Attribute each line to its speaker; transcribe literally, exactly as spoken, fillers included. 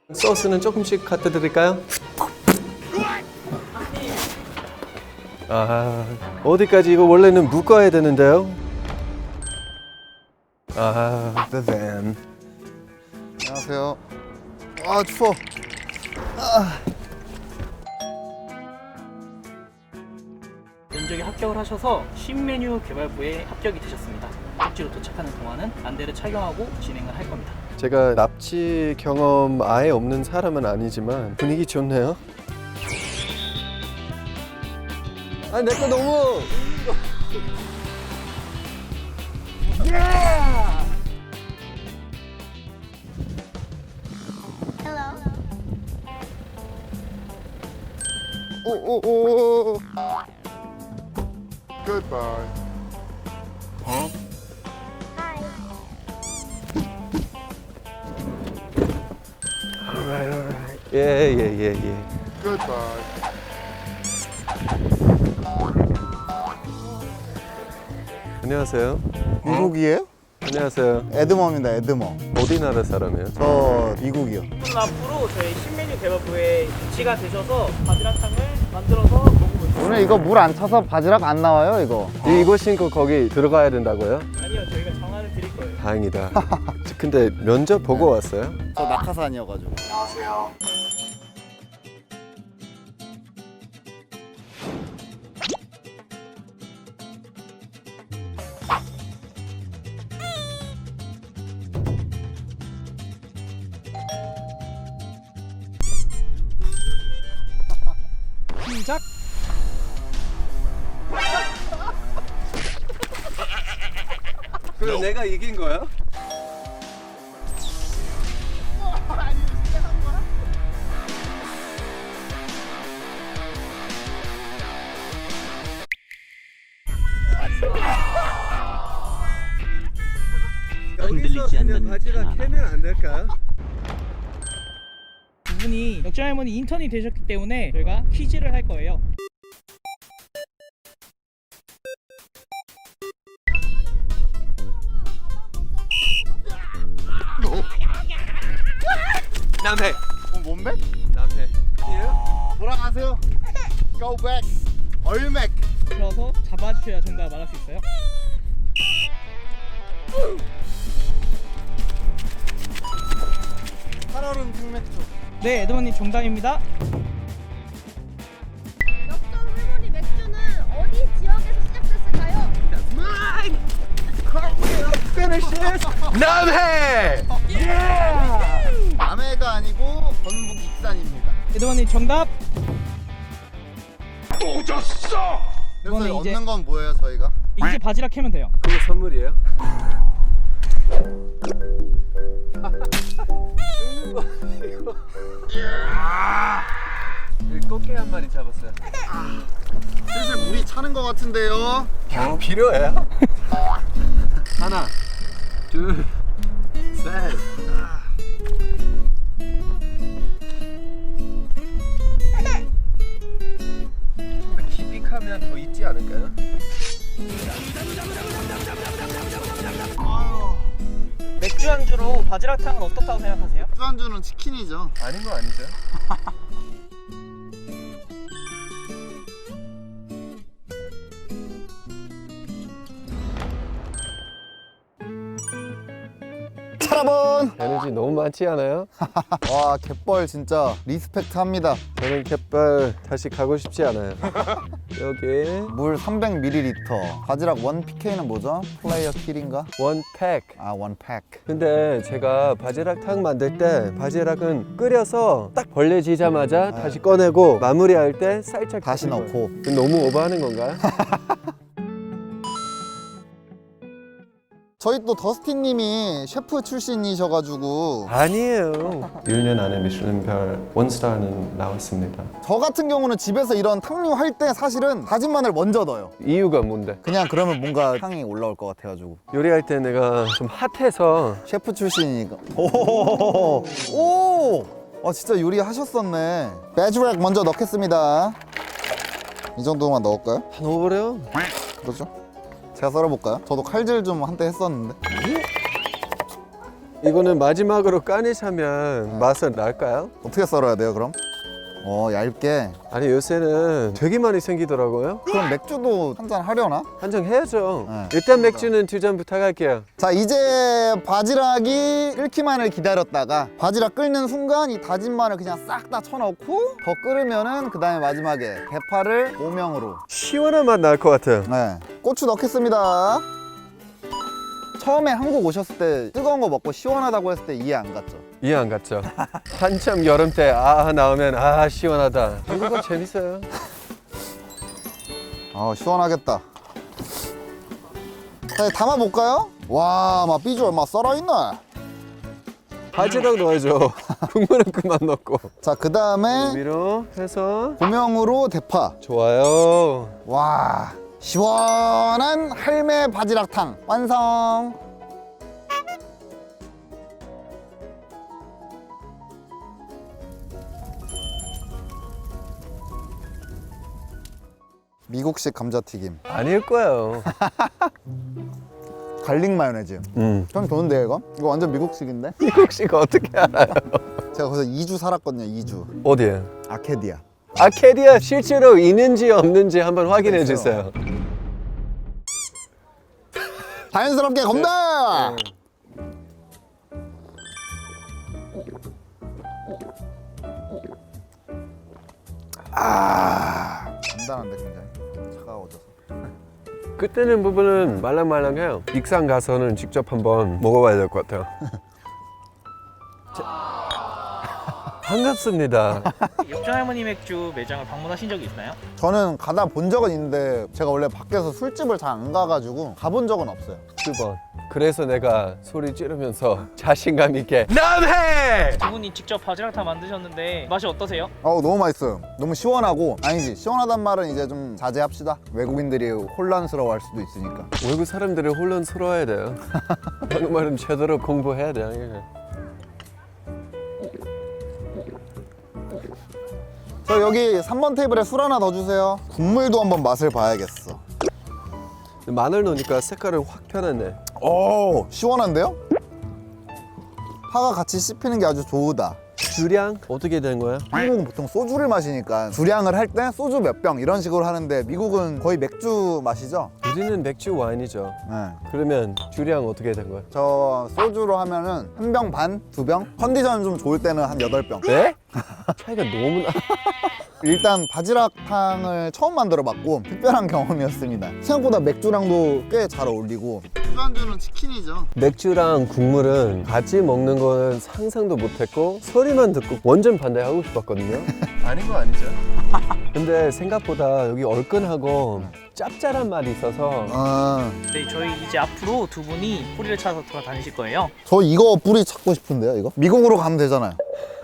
Speaker 1: 소스는 조금씩 갖다 드릴까요? 아, 어디까지 이거 원래는 묶어야 되는데요? 아, the van.
Speaker 2: 안녕하세요. 아 추워. 아.
Speaker 3: 면접에 합격을 하셔서 신메뉴 개발부에 합격이 되셨습니다. 목적지로 도착하는 동안은 안대를 착용하고 진행을 할 겁니다.
Speaker 1: 제가 납치 경험 아예 없는 사람은 아니지만 분위기 좋네요. 아, 내 거 너무.
Speaker 2: 오오오. Goodbye.
Speaker 4: Hi.
Speaker 1: Alright, alright. 예, 예, 예, 예.
Speaker 2: Goodbye.
Speaker 1: 안녕하세요.
Speaker 2: 미국이에요?
Speaker 1: 안녕하세요.
Speaker 2: 에드머입니다. 에드머.
Speaker 1: 어디 나라 사람이에요?
Speaker 2: 저 미국이요.
Speaker 3: 그럼 앞으로 저희 신메뉴 개발부에 배치가 되셔서 바지락탕을 만들어서 먹어보세요.
Speaker 2: 오늘 이거 물 안 차서 바지락 안 나와요 이거.
Speaker 1: 이- 이거 신고 거기 들어가야 된다고요?
Speaker 3: 아니요, 저희가 전화를 드릴 거예요.
Speaker 1: 다행이다. 근데 면접 보고 왔어요?
Speaker 2: 저 낙하산이어가지고.
Speaker 3: 시작!
Speaker 1: 그럼 내가 이긴 거야?
Speaker 5: 흔들리지 않는
Speaker 1: 바지락 캐면 안 될까요?
Speaker 3: 두 분이 역전 할머니 인턴이 되셨기 때문에 저희가 퀴즈를 할 거예요.
Speaker 1: 남해.
Speaker 2: 어, 몸매?
Speaker 1: 남해.
Speaker 2: 돌아가세요. Go back. 얼맥.
Speaker 3: 들어서 잡아주셔야 정답 말할 수 있어요.
Speaker 2: 살얼음 생맥주.
Speaker 3: 네, 에드머님 정답입니다.
Speaker 4: 역전 할머니 맥주는 어디 지역에서 시작됐을까요?
Speaker 1: 남해.
Speaker 2: 남해가 아니고 전북 익산입니다.
Speaker 3: 에드머님 정답.
Speaker 2: 그래서
Speaker 3: 이거는 이제-
Speaker 2: 얻는 건 뭐예요 저희가?
Speaker 3: 이제 바지락 캐면 돼요.
Speaker 1: 그게 선물이에요? 죽는 거 이거. 여기 꽃게 한 마리 잡았어요.
Speaker 2: 슬슬 물이 차는 것 같은데요.
Speaker 1: 어, 필요해요? 하나, 둘, 셋. 기빅하면 더 있지 않을까요?
Speaker 3: 맥주 안주로 바지락탕은 어떻다고 생각하세요?
Speaker 2: 술안주는 치킨이죠.
Speaker 1: 아닌 거 아니죠?
Speaker 2: 차라본.
Speaker 1: 에너지 너무 많지 않아요?
Speaker 2: 와 갯벌 진짜 리스펙트 합니다.
Speaker 1: 저는 갯벌 다시 가고 싶지 않아요. 여기
Speaker 2: 물 삼백 밀리리터. 바지락 원 피케이는 뭐죠? 플레이어 킬인가?
Speaker 1: 원 팩.
Speaker 2: 아 원 팩.
Speaker 1: 근데 제가 바지락탕 만들 때 바지락은 끓여서 딱 벌레지자마자
Speaker 2: 네.
Speaker 1: 다시 꺼내고 마무리할 때 살짝
Speaker 2: 다시
Speaker 1: 끓이고.
Speaker 2: 넣고.
Speaker 1: 그건 너무 오버하는 건가요?
Speaker 2: 저희 또 더스틴님이 셰프 출신이셔가지고
Speaker 1: 아니에요. 일 년 안에 미슐랭별 원스타는 나왔습니다.
Speaker 2: 저 같은 경우는 집에서 이런 탕류 할 때 사실은 다진 마늘 먼저 넣어요.
Speaker 1: 이유가 뭔데?
Speaker 2: 그냥 그러면 뭔가 향이 올라올 것 같아가지고.
Speaker 1: 요리할 때 내가 좀 핫해서
Speaker 2: 셰프 출신이니까. 오, 오, 아 진짜 요리하셨었네. 바지락 먼저 넣겠습니다. 이 정도만 넣을까요?
Speaker 1: 다 넣어버려.
Speaker 2: 그렇죠? 제가 썰어볼까요? 저도 칼질 좀 한때 했었는데.
Speaker 1: 이거는 마지막으로 까니샤면 맛은 날까요?
Speaker 2: 어떻게 썰어야 돼요 그럼? 어 얇게.
Speaker 1: 아니 요새는 되게 많이 생기더라고요.
Speaker 2: 그럼 맥주도 한 잔 하려나?
Speaker 1: 한 잔 해야죠.
Speaker 2: 네.
Speaker 1: 일단 맥주는 두 잔 부탁할게요.
Speaker 2: 자 이제 바지락이 끓기만을 기다렸다가 바지락 끓는 순간 이 다진 마늘 그냥 싹 다 쳐넣고 더 끓으면은 그 다음에 마지막에 대파를 오명으로.
Speaker 1: 시원한 맛 날 것 같아요.
Speaker 2: 네, 고추 넣겠습니다. 처음에 한국 오셨을 때 뜨거운 거 먹고 시원하다고 했을 때 이해 안 갔죠?
Speaker 1: 이해 안 갔죠? 한참 여름 때 아 나오면 아 시원하다. 한국은 재밌어요.
Speaker 2: 아 시원하겠다. 자 담아볼까요? 와 막 비주얼 막 썰어있네.
Speaker 1: 바지락 넣어야죠. 국물은 그만 넣고.
Speaker 2: 자 그 다음에
Speaker 1: 위로 해서
Speaker 2: 고명으로 대파.
Speaker 1: 좋아요.
Speaker 2: 와 시원한 할매 바지락탕 완성. 미국식 감자튀김
Speaker 1: 아닐 거예요.
Speaker 2: 갈릭 마요네즈.
Speaker 1: 음.
Speaker 2: 좀 좋은데 이거? 이거 완전 미국식인데?
Speaker 1: 미국식 어떻게 알아요?
Speaker 2: 제가 거기서 이 주 살았거든요. 이 주
Speaker 1: 어디에?
Speaker 2: 아케디아.
Speaker 1: 아케디아 실제로 있는지 없는지 한번 확인해 주세요.
Speaker 2: 자연스럽게 건배! 아 간단한데 굉장히 차가워져서.
Speaker 1: 그때는 부분은 말랑말랑해요. 익산 가서는 직접 한번 먹어봐야 될 것 같아요. 자, 반갑습니다.
Speaker 3: 역전 할머니 맥주 매장을 방문하신 적이 있나요?
Speaker 2: 저는 가다 본 적은 있는데 제가 원래 밖에서 술집을 잘 안 가가지고 가본 적은 없어요.
Speaker 1: 두 번. 그래서 내가 소리 지르면서 자신감 있게 남해!
Speaker 3: 두 분이 직접 바지락탕 만드셨는데 맛이 어떠세요?
Speaker 2: 어우 너무 맛있어요. 너무 시원하고. 아니지 시원하단 말은 이제 좀 자제합시다. 외국인들이 혼란스러워할 수도 있으니까.
Speaker 1: 외국 사람들이 혼란스러워야 돼요. 한국말은 제대로 공부해야 돼요.
Speaker 2: 저 여기 삼 번 테이블에 술 하나 더 주세요. 국물도 한번 맛을 봐야겠어.
Speaker 1: 마늘 넣으니까 색깔은 확 변했네.
Speaker 2: 오 시원한데요? 파가 같이 씹히는 게 아주 좋으다.
Speaker 1: 주량 어떻게 된 거야?
Speaker 2: 한국은 보통 소주를 마시니까 주량을 할 때 소주 몇 병 이런 식으로 하는데 미국은 거의 맥주 마시죠?
Speaker 1: 우리는 맥주 와인이죠.
Speaker 2: 네.
Speaker 1: 그러면 주량 어떻게 된 거야?
Speaker 2: 저 소주로 하면은 한 병 반? 두 병? 컨디션 좀 좋을 때는 한 여덟 병.
Speaker 1: 네? 차이가 너무 나.
Speaker 2: 일단 바지락탕을 처음 만들어 봤고 특별한 경험이었습니다. 생각보다 맥주랑도 꽤 잘 어울리고. 술안주는 치킨이죠.
Speaker 1: 맥주랑 국물은 같이 먹는 거는 상상도 못했고 소리만 듣고 완전 반대하고 싶었거든요. 아닌 거 아니죠? 근데 생각보다 여기 얼큰하고 짭짤한 맛이 있어서
Speaker 2: 아,
Speaker 3: 네, 저희 이제 앞으로 두 분이 뿌리를 찾아서 돌아다니실 거예요.
Speaker 2: 저 이거 뿌리 찾고 싶은데요, 이거? 미국으로 가면 되잖아요.